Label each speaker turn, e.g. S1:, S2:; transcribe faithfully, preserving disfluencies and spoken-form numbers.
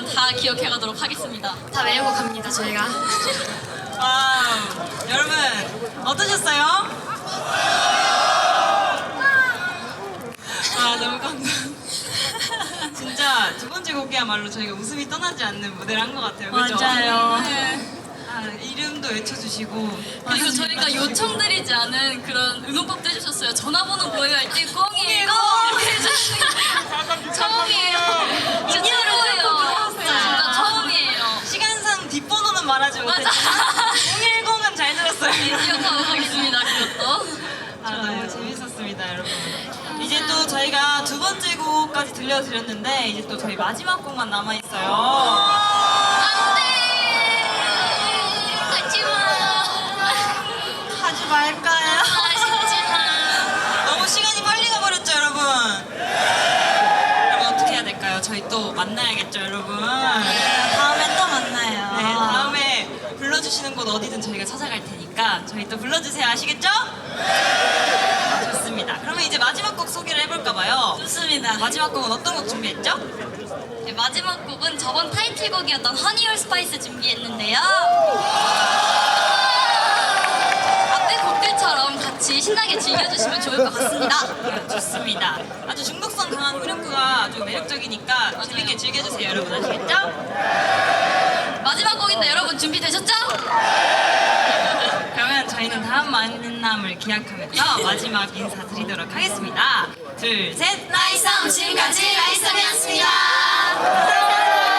S1: 여러분 다 기억해가도록 하겠습니다.
S2: 다 외우고 갑니다 저희가.
S3: 와우. 여러분 어떠셨어요? 아 너무 감동. 진짜 두 번째 곡이야말로 저희가 웃음이 떠나지 않는 무대를 한 것 같아요. 그죠?
S1: 맞아요.
S3: 네. 아, 이름도 외쳐주시고
S1: 그리고 저희가 요청드리지 않은 그런 응원법도 해주셨어요. 전화번호 보여요 할 때 꽁이에요. 꽁! 해주시는 처음이에요. 진짜로예요. 진짜 처음이에요.
S3: 시간상 뒷번호는 말하지 못했지만
S1: 맞아.
S3: 공일공은 잘 들었어요.
S1: 기억하고 가겠습니다. 그것도.
S3: 아, 너무 재밌었습니다, 여러분. 이제 또 저희가 두 번째 곡까지 들려드렸는데 이제 또 저희 마지막 곡만 남아 있어요.
S1: 안돼. 가지마.
S3: 하지 말까요?
S1: 아쉽지만.
S3: 너무 시간이 빨리 가버렸죠, 여러분. 여러분 어떻게 해야 될까요? 저희 또 만나야겠죠, 여러분.
S2: 다음에 또 만나요.
S3: 네, 다음에 불러주시는 곳 어디든 저희가 찾아갈 테니까 저희 또 불러주세요. 아시겠죠? 좋습니다. 그러면 이제 마지막 곡 소개를 해볼까봐요.
S1: 좋습니다.
S3: 마지막 곡은 어떤 곡 준비했죠?
S1: 네, 마지막 곡은 저번 타이틀곡이었던 허니얼 스파이스 준비했는데요. 앞에 곡들처럼 같이 신나게 즐겨주시면 좋을 것 같습니다.
S3: 네, 좋습니다. 아주 중독성 강한 후렴구가 아주 매력적이니까 재밌게 즐겨주세요, 여러분. 아시겠죠?
S1: 마지막 곡인데 여러분 준비되셨죠?
S3: 그러면 저희는 다음 만남을 기약하면서 마지막 인사드리도록 하겠습니다. 둘, 셋!
S1: 나이썸 지금까지 나이썸이었습니다.